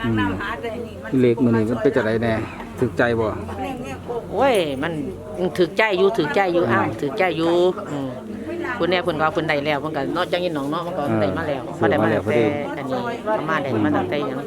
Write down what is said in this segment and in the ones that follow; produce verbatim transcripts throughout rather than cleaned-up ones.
เล็กมื้อนี้มันเป็นจังไดแน่ถึกใจบ่โอ้ยมันถึกใจอยู่ถึกใจอยู่อ้าวถึกใจอยู่อืมคุณแน่เพิ่นก็เพิ่นได้แล้วเพิ่นก็เนาะจังยินน้องเนาะมันก็ได้มาแล้วมาได้มาแล้วแต่อันนี้ประมาณได้มาตั้งแต่หยัง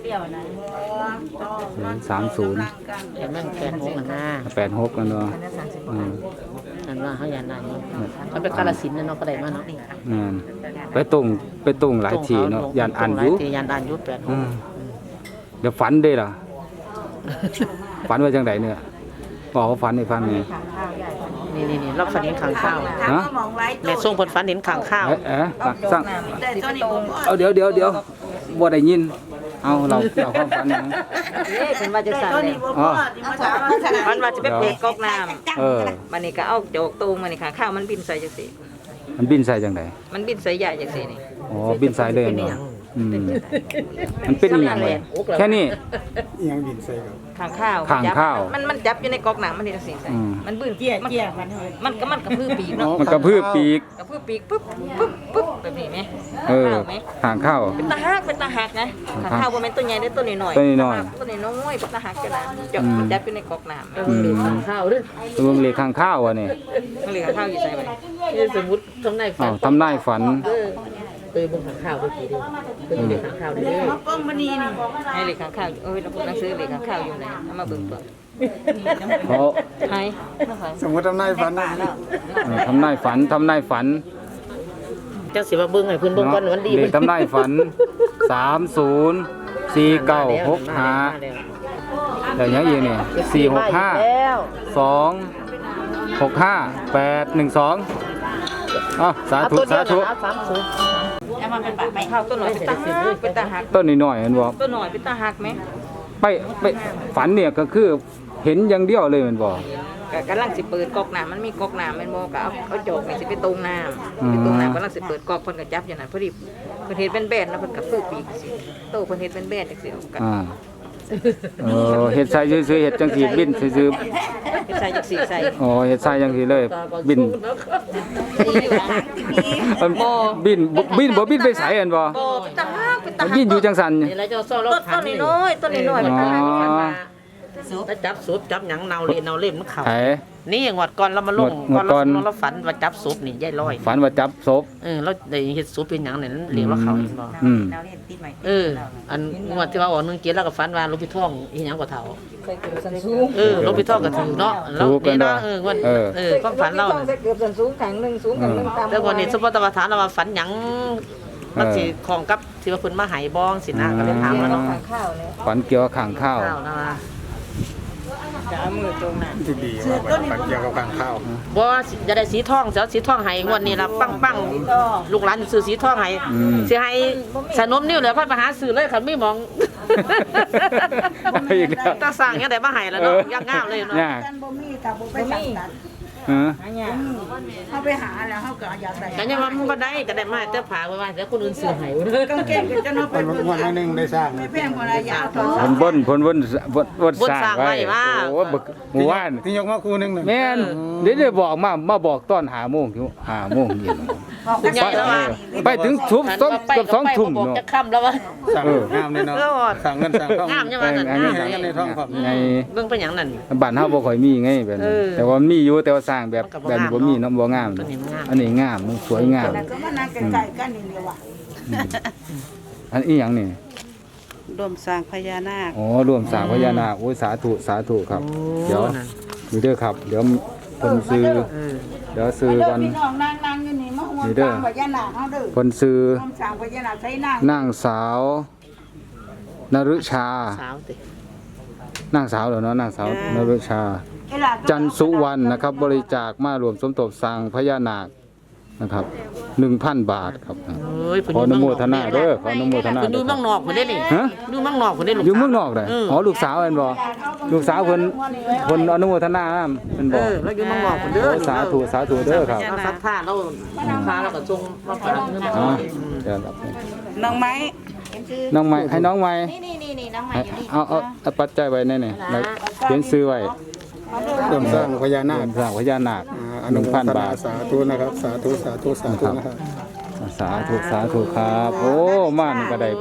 สามสิบแต่มันแปดหกนั่นนะแปดหกนั่นเนาะอืมอันว่าเฮาย่านนั้นมันเป็นกาฬสินธุ์เนาะก็ได้มาเนาะอืมไปตรงไปตรงหลายทีเนาะย่านอ่านอยู่ย่านอ่านอยู่แปดหกเดี๋ยวฝันเด้ล่ะฝันว่าจังไดเนี่ยบอกว่าฝันให้ฟังนี่นี่นี่ๆๆเราฝันเห็นข้างข้าวฮะแม่ส่งเพิ่นฝันเห็นข้างข้าวเอ๊ะเอ๊ะสั่งเอาเดี๋ยวเดี๋ยวเดี๋ยวบ่ได้ยินเอาเราเราความฝันยังเอ๊ะเป็นว่าจะสั่นแล้วอ๋อมันว่าจะไปเปิดก๊อกน้ำเออมันนี่ก็เอาโจกตูงมันนี่ค่ะข้าวมันบินใส่จังซี่มันบินใส่จังได๋มันบินใส่ใหญ่จังซี่นี่อ๋อบินใส่เลยเนาะอืมมันเป็นอีหยังเลยแค่นี้อีหยังบินใส่ครับข้างข้าวข้างข้าวมันมันจับอยู่ในก๊อกน้ำมันนี่จังซี่ใส่มันบึ้นเกี้ยเกี้ยมันมันก็มันกระพือปีกเนาะมันกระพือปีกกระพือปีกปึ๊บปึ๊บปึ๊บแบบนี้มั้ยเออข้างข้าวเป็นตาฮักเป็นตาฮักนะข้างข้าวบ่แม่นตัวใหญ่เด้อตัวน้อยๆตัวน้อยตัวน้อยๆเป็นตาฮักจังนะจับมันจับอยู่ในก๊อกน้ำเออข้างข้าวเด้อตัวเล็กข้างข้าวอ่ะนี่มันเหลือข้าวอยู่ใส่ไว้นี่สมมุติทำนายฝันทำนายฝันเออเออบ่ข้างข้าวด้วยกี่เด้อเพิ่นอยู่ข้างข้าวเด้อป้องมันนี่นี่ให้เหลือข้างข้าวเอ้ยเราพวกหนังสือเหลือข้างข้าวอยู่ไหนเอามาเบิ่งตัวเขาให้สมมุติทำนายฝันนะทำนายฝันทำนายฝันจังสิมาเบิ่งให้เพิ่นเบิ่งก่อนวันดีเด็กทำนายฝันสามศูนย์ สี่เก้าหกห้าแต่ยังอีกนี่สี่หกห้าสองหกห้าแปดหนึ่งสองอ๋อสาธุสาธุแล้วมันเป็นแบบไปข้าวต้นหน่อยเป็นตาหักเป็นตาหักต้นนิดหน่อยเห็นบ่ต้นหน่อยเป็นตาหักไหมไปไปฝันเนี่ยก็คือเห็นอย่างเดียวเลยมันบ่กำลังสิเปิดก๊อกน้ำมันมีก๊อกน้ำมันบ่ก็เอาเอาโจกนี่สิไปตรงน้ำไปตรงน้ำกำลังสิเปิดก๊อกเพิ่นก็จับอย่างนั้นพอดีเพิ่นเฮ็ดเป็นแบนแล้วเพิ่นก็ฟื้นปีกสิโตเพิ่นเฮ็ดเป็นแบนจังซี่อ่าเออเฮ็ดใส่ซื่อๆเฮ็ดจังซี่บินซื่อๆเฮ็ดใส่จังซี่ใส่อ๋อเฮ็ดใส่จังซี่เลยบินบ่บินบินบ่บินไปไสอันบ่บ่ตาฮักเป็นตาฮักบินอยู่จังซั่นนี่แล้วเจ้าซ้อรถต้นน้อยต้นน้อยเป็นตาฮักถ้าจับซุปจับหยังเนาเล่เนาเล่มันเข้าไผนี่งวดก่อนเรามาลงก่อนเราเราฝันว่าจับซุปนี่ยายลอยฝันว่าจับศพเออเราได้เฮ็ดซุปเป็นหยังนี่เรียกว่าเขาเห็นบ่อืมเอออันงวดที่ว่าออกนึงเกียรแล้วก็ฝันว่าหลวงพี่ท่องอีหยังก็เฒ่าเออหลวงพี่ท่องก็ถือเนาะแล้วนี่เนาะเอองวดเออความฝันเราเกือบสันสูงขังนึงสูงขังนึงตามแต่วันนี้สมมุติว่าถามเราว่าฝันหยังมันสิของกับที่ว่าเพิ่นมาให้บ้องสินะก็เลยถามแล้วเนาะฝันเกี่ยวกับข้างข้าวจะเอามือตรงนั้นดีๆว่าฝันเกี่ยวกับข้างข้าวบ่จะได้สีทองเสียสีทองให้งวดนี้ล่ะปังๆลูกหลานซื้อสีทองให้สิให้สนมนิ้วเหลือเพิ่นไปหาซื้อเลยคันมีมองตาสร้างยังได้มาให้แล้วเนาะยังงามเลยเนาะบ่มีถ้าบ่ไปสั่งตัดฮะเขาไปหาแล้วเขาก็อยากได้แต่ยังว่ามันบ่ได้ก็ได้มาแต่ผาไว้ว่าแต่คนอื่นซื้อให้กางเกงก็จะเนาะไปวันนึงได้สร้างไม่แพงกว่าระยะต่อผลบนผลบนบนสร้างไว้โอ้หมู่บ้านที่ยกมาคู่นึงแม่นเดี๋ยวจะบอกมามาบอกตอนห้าโมงถึงห้าโมงเย็นไปถึงทุ่มต้นเกือบสองทุ่มเนาะจะค่ำแล้วว่าสั่งงามเลยเนาะสั่งเงินสั่งทองงามจังว่านั่นงามในท้องครับไงเบิ่งเป็นหยังนั่นบ้านเฮาบ่ค่อยมีไงแบบนี้แต่ว่ามีอยู่แต่ว่าสร้างแบบแบบบ่มีเนาะบ่งามอันนี้งามมันสวยงามก็มานั่งใกล้ๆกันนี่แหละว่ะอันอีหยังนี่รวมสร้างพญานาคอ๋อรวมสร้างพญานาคโอ้ยสาธุสาธุครับเดี๋ยวนี่เด้อครับเดี๋ยวเพิ่นซื้อเดี๋ยวซื้อกันพี่น้องนั่งๆอยู่นี่มาห่วงสร้างพญานาคเฮาเด้อเพิ่นซื้อรวมสร้างพญานาคใช้นางนางสาวนฤชาสาวตินางสาวเหรอเนาะนางสาวนฤชาจันสุวรรณนะครับบริจาคมารวมสมทบสร้างพญานาคนะครับ หนึ่งพัน บาทครับขออนุโมทนาเด้อขออนุโมทนาอยู่เมืองนอกเพิ่นได้นี่ฮะอยู่เมืองนอกเพิ่นได้ลูกอยู่เมืองนอกได้อ๋อลูกสาวเห็นบ่ลูกสาวเพิ่นเพิ่นอนุโมทนาเพิ่นบ่เออแล้วอยู่เมืองนอกเพิ่นเด้อสาธุสาธุเด้อครับศรัทธาเราพาเราก็ส่งมาฝากเงินอ๋อเดี๋ยวครับน้องไม้น้องไม้ให้น้องไม้นี่ๆๆน้องไม้อยู่นี่เอาเอาปัจจัยไว้แน่ๆแล้วเขียนซื้อไว้เริ่มสร้างพญานาคสร้างพญานาคหนึ่งพัน บาทสาธุนะครับสาธุสาธุสาธุนะครับสาธุสาธุครับโอ้มานี่ก็ได้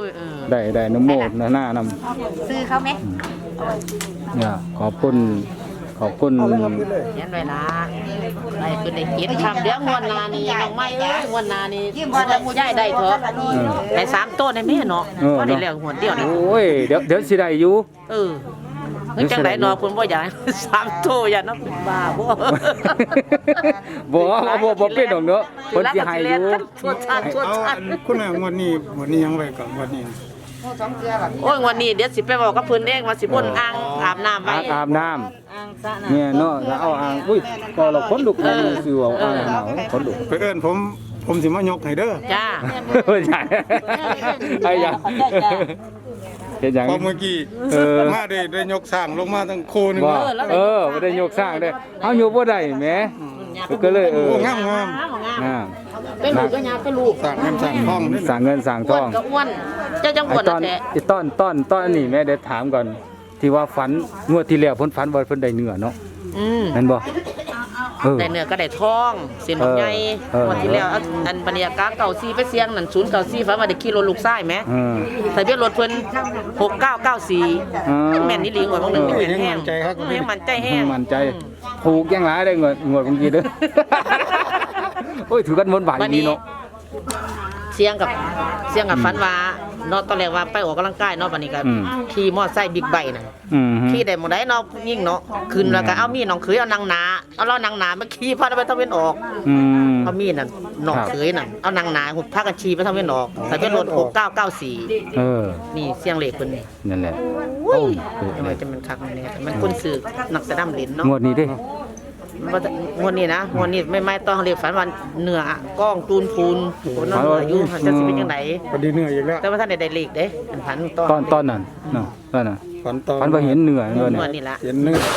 ได้ได้น้ำโมดหน้านำซื้อเขาไหมเนี่ยขอบคุณขอบคุณเขียนไว้ละไอ้คือได้กินคำเดี๋ยวงวดหนานี่น้องไม้เอ้ยงวดหนานี่จะมูย่ายได้เถอะได้สามต้นในแม่เนาะพอได้แล้วงวดเดียวนี่โอ้ยเดี๋ยวเดี๋ยวสิได้อยู่เออเฮ้ยจังไดเนาะเพิ่นบ่อยากให้สามโตอย่าเนาะเป็นบ้าบ่บ่บ่บ่เป็นดอกเนาะเพิ่นสิให้อยู่ชวดชาติชวดเอาชาอัตินคุณแม่งวดนี้งวดนี้ยังไว้ก่อนงวดนี้โอ้ยวันนี้เดี๋ยวสิไปบอกกับเพิ่นเองว่าสิบ่นอ่างอาบน้ำไว้อาบอาบน้ำอ่างสระน้ำเนี่ยเนาะแล้วเอาอ่างอุ้ยก็เราคนลุกมันสิว่าอ่างหนาวคนลุกไปเอิ้นผมผมสิมายกให้เด้อจ้าใช่ไอ้ยังเฮ็ดหยังพอเมื่อกี้เออมาได้ได้ยกสร้างลงมาทั้งโคนึงว่าเออบ่ได้ยกสร้างได้เฮาอยู่บ่ได้แหมก็เลยเออโอ้งามงามงามเป็นลูกก็ยาเป็นลูกสร้างเงินสร้างทองนี่สร้างเงินสร้างทอ้วอน งก็อ้วนเจ้าจังอ้ไอ้วนตอน่ะนแท้ไอ้ต้นต้นต้นนี่แม่เดี๋ยวถามก่อน ที่ว่าฝันงวดที่แล้วเพิ่นฝันว่าเพิ่นได้เนื้อเนาะอืมแม่นบ่เออได้เนื้อก็ได้ทองเส้นใหญ่เออวันที่แล้วอันอันบรรยากาศเก่าซีไปเสียงนั่นศูนย์เก่าซีฟ้าว่าได้ขี่รถลูกชายแหมเออทะเบียนรถเพิ่นหกเก้าเก้าสี่อ๋อแม่นนี่หลีงวดบางหนึงเออแม่นแห้งเออยังมั่นใจแห้งมั่นใจถูกยังหลายได้งวดงวดเมื่อกี้เด้อ โอ้ยถือกันบนบ่ายนี้เนาะเสียงกับเสียงกับฝันว่าเนาะตอนแรกว่าไปออกกำลังกายเนาะบัดนี้ก็อืมขี่มอไซค์บิ๊กไบค์น่ะอืมฮึขี่ได้หมดได้เนาะยิ่งเนาะขึ้นแล้วก็เอามีดน้องเขยเอานางหนาเอาเรานางหนามาขี่พาไปทางเว้นออกอืมเอามีดน่ะน้องเขยน่ะเอานางหนาหุบพากันขี่ไปทางเว้นออกทะเบียนรถหกเก้าเก้าสี่เออนี่เสียงเลขเพิ่นนี่นั่นแหละอุ้ยเออทำไมจะมันคักมันเนี่ยมันคนสื่อนักแสดงเล่นเนาะงวดนี้เด้มันบ่ได้งวดนี้นะงวดนี้ไม่ไม่ต้องเรียกฝันว่าเนื้อกล้องตูนพูนคนนั้นอายุจะสิเป็นจังไดพอดีเหนื่อยอีกแล้วแต่ว่าท่านได้ได้เลขเด้อันพันตตอนตอนนั้นเนาะตอนนั้นฝันตอนฝันว่าเห็นเนื้อเนื้องเนี่วย ดนี้ละเห็นเนื้อ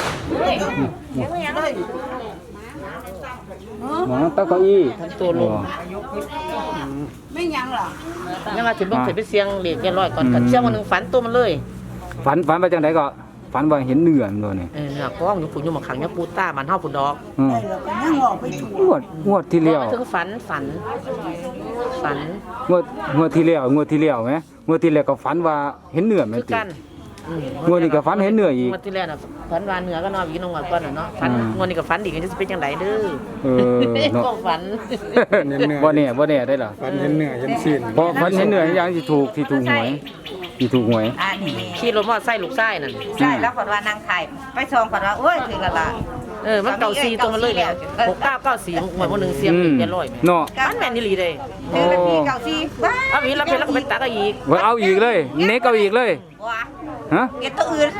หมอตะเก้าอี้ทั้งตัวลง ยังว่าสิเบิ่งสิไปเสียงเลขเรียบร้อยก่อนกันเสียงวันหนึงฝันตัวมันเลยฝันฝันไปจังไดก็ฝันว่าเห็นเนื้อมันเนี่ยเออเนื้อกล้องอยู่ฝุ่นอยู่หมาขังอยู่ปูต้ามันเฮาฝุ่นดอกอืมงวดงวดที่แล้วบ่ถึงฝันฝันฝันงวดงวดที่แล้วงวดที่แล้วไหมงวดที่แล้วก็ฝันว่าเห็นเนื้อแม่คืนอติกันอืมงวดนี้ก็ฝันเห็นเนื้ออีกงวดที่แล้วน่ะฝันว่าเนื้อก็นอนอยู่นองก่อนน่ะเนาะฝันอืมงวดนี้ก็ฝันอีกจะสิเป็นจังไดเด้อเออเนาะก็ฝันบ่แน่บ่แน่ได้ล่ะฝันเห็นเนื้อเห็นซีนพอฝันเห็นเนื้ออย่างที่ถูกที่ถูกหวยที่ถูกหวยอันนี้ขี่รถมอเตอร์ไซค์ลูกชายนั่นใช่แล้วก่อนว่านางไข่ไปซองก่อนว่าโอ้ยถือละละเออมันเก่าซีตัวมันเลยเนี่ยหกเก้าเก้าสี่หมดวันหนึงเสียงอืมเรียบร้อยแม่เนาะมันแม่นอีหลีเด้ถือเป็นปีเก่าซีว้าเอาอีกแล้วเป็นแล้วก็ไปตักเอาอีกไว้เอาอีกเลย เน็กเอาอีกเลยว้าฮะเก็บตัวอื่น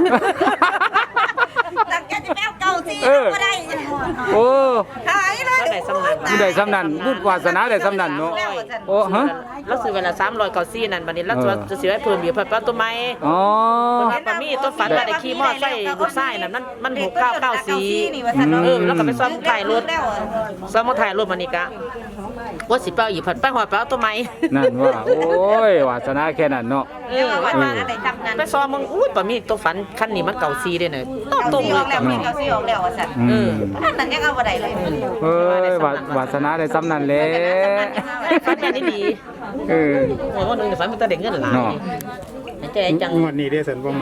ตักแกจะแมวเก่าซีเออก็ได้โอ้หายเลยก็ได้สำนักผู้ใดสำนันบุญวาสนาได้สำนันเนาะโอ้ฮะแล้วซื้อเวลาสามร้อยเก้าสี่นั่นบัดนี้แล้วเออจะซื้อให้เพิ่มอีกเพิ่มตัวใหม่อ๋อเพิ่นว่าปามี่ตัวฝันว่าได้ขี่มอไซค์ลูกชายนั่นมันมันหกเก้าเก้าสี่นี่ว่าซั่นเนาะเออแล้วก็ไปซ่อมถ่ายรถแล้วซ่อมถ่ายรถมันนี่กะว่าสิเป้าอีกผัดไปหอยไปเอาตัวใหม่นั่นว่า โอ้ยวาสนาแค่นั้นเนาะเอเรียอกว่าว่าอะไรจำนั้นไปซ้อมมึงอุ้ยปามี่ตัวฝันคันนี้มันเก่าซีเด้เนี่ยต้องตรงซีเลอย อกแล้วกับมีเก่าซีออกแล้วว่าซั่นอืมอันนั้นยังเอาบ่ได้เลยเอ้ยวาวาสนาได้สำนันแหล้วฝันแม่นี่ดีเออโอ้ยวันหนึงฝันมันตะเด็กเงินหลายเนาะใจจังงวดนี้ได้สันบ่